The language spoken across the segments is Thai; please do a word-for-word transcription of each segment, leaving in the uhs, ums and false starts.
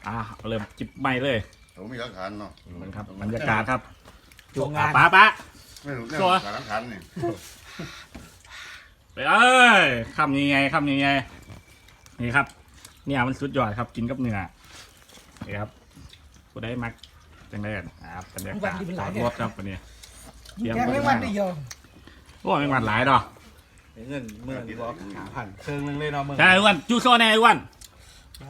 อ่าเริ่มจิบไม่เลยผมมีหลักฐานเนาะมันครับบรรยากาศครับโรงงานป้าป้าไม่รู้เนี่ยหลักฐานนี่ไปเอ้ยคำยังไงคำยังไงนี่ครับเนี่ยมันสุดยอดครับกินกับเนื้อนี่ครับผู้ได้มักจังได้กันครับบรรยากาศจอดรถครับวันนี้แกไม่วันได้ยอมโอ้ไม่หวานหลายดอกเงินเมื่อบอกหาพันเครื่องนึงเลยเนาะมึงใช่ไอ้อ้วันจูโซ่แน่ไอ้อ้วันมา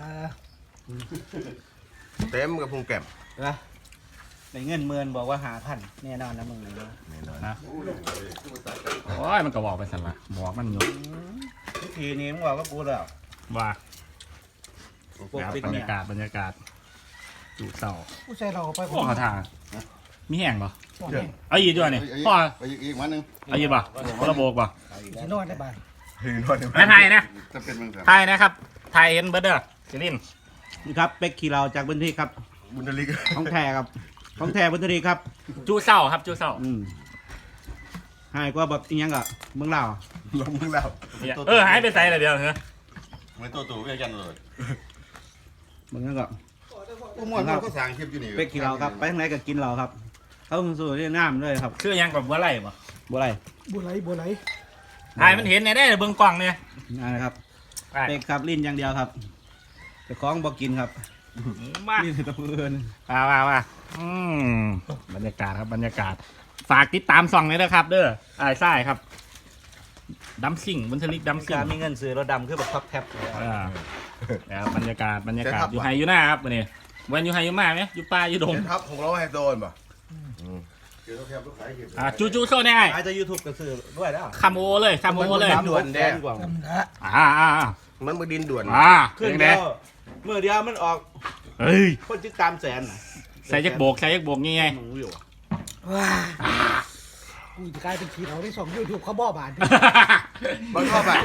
เต็มกับพุงแก้มนะในเงินเมื่อบอกว่าหาพันแน่นอนนะมึงเลยเนาะแน่นอนนะโอ้ยมันก็บอกไปสั่นละบอกมันอยู่ทุกทีนี้มึงบอกว่ากูแล้วว่าปกครับปิดบรรเนี่ยยากาศบรรยากาศจูเต่าผู้ชายเราไปโอ้เขาทางมีแห้งปะบอกเนี่ยเอาอีกด้วยนี่พ่อไปอีกมันนึงเอาอีกปะคนละโบกปะสินอนได้บ้างหืนวันนี้ไม่ไทยนะจะเป็นเมืองแถบไทยนะครับไทยเห็นเบิร์ดเดอร์จิลินนี่ครับเป็กขี่เราจากบันทีครับบุญทลิกของแท้ครับของแท้บันทีครับจูเศร้าครับจูเศร้าอืมหายกว่าแบบอีหยังกะเมืองลาวลงมึงแล้วเนี่ยเออหายไปใส่อะไรเดียวเหรอไม่ตัวตู่ไม่ยันเลยเมืองนั้นก็อุ้มมันก็สั่งคลิปอยู่นี่เป็กขี่เราครับไปทางไหนก็กินเราครับเขาสู่ที่น้ำเลยครับคือยังกับบัวไหลปะบัวไรบัวไหลบัวไหลไอ้มันเห็นในได้เบิ้งกล่องเนี่ยนั่นนะครับไปเป็กครับลิ้นอย่างเดียวครับแต่ของบอกกินครับมาลิ้นตะเพื่อนมามามาอืมบรรยากาศครับบรรยากาศ ฝากติดตามส่องเลยนะครับ เด้อไอ้ไส้ครับดัมซิ่งบุญทลิกดัมซิ่กาง รมีเงินซื้อรถดำคือแบบท็อปแท็บอ่าแล้วบรรยากาศบรรยากาศอยู่ไฮอยู่หน้าครับวันนี้วันอยู่ไฮอยู่มาไหมอยู่ป่าอยู่ดงเจ็ดทับของเราให้โดนป่ะเกี่ยวกับแถบลูกขายคลิปอ่าจูจูโซ่แน่อาจจะยูทูบก็ซื้อด้วยแล้วคาโมเลยคาโมเลยด่วนแดงกว่าจำนะอ่าอ่าอ่ามันมือดินด่วนอ่าขึ้นเป็นเดีไงยวเมื่อเดียวมันออกเฮ้ยคนติดตามแสนน่ะใส่ยักโบกใส่ยักโบกยังไงมึงอยู่อะว้ากูจะกลายเป็นขี้เราได้สองยูทูบเขาบ่อบานมันเข้าไป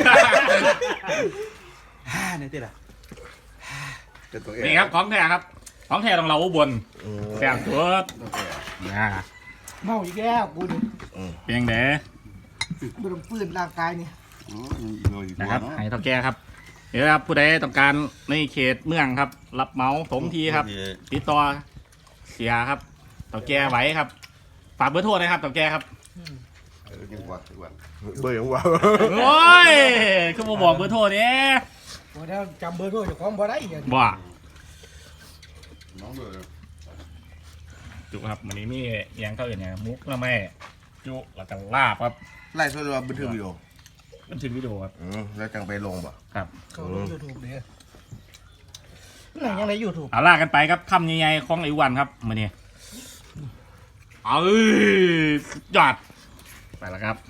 ฮ่าเนี่ยติล่ะเป็นตัวเองนี่ครับของแท้ครับของแท้ต้องเราอุบลแซ่บสุดนะเมาอีกแล้วกูนี่เพียงเด้ไม่ต้องฟื้นร่างกายนี่อ๋ออีกเลยอีกนะตัวครับเนาะให้เท่าแก่ครับเดี๋ยวครับผู้ใดต้องการในเขตเมืองครับ รับเหมาถมทีครับ ติดต่อเสียครับเต่าแก่ไหวครับฝากเบอร์โทรนะครับเต่าแก่ครับเออกินกว่าดีกว่าเบื่อของว่าโอ้ยคือมาบอกเบอร์โทรเนี่ยบัวเดียวจำเบอร์ด้วยเจ้าของบ่ได้อย่างบ่น้องเบื่อจุครับวันนี้มีเอียงเข้าอย่างเนี้ยมุกแล้วไม่จุแล้วก็ลาบครับไล่ส่วนตัวบันทึกวิดีโอบันทึกวิดีโอครับอืมแล้วจังไปลงป่ะครับเขาลงยูทูบเด้อไหนยังไงยูทูบเอาลากันไปครับคำใหญ่ๆของไอ้วันครับมาเนี่ยเอ้ยสุดยอดไปแล้วครับ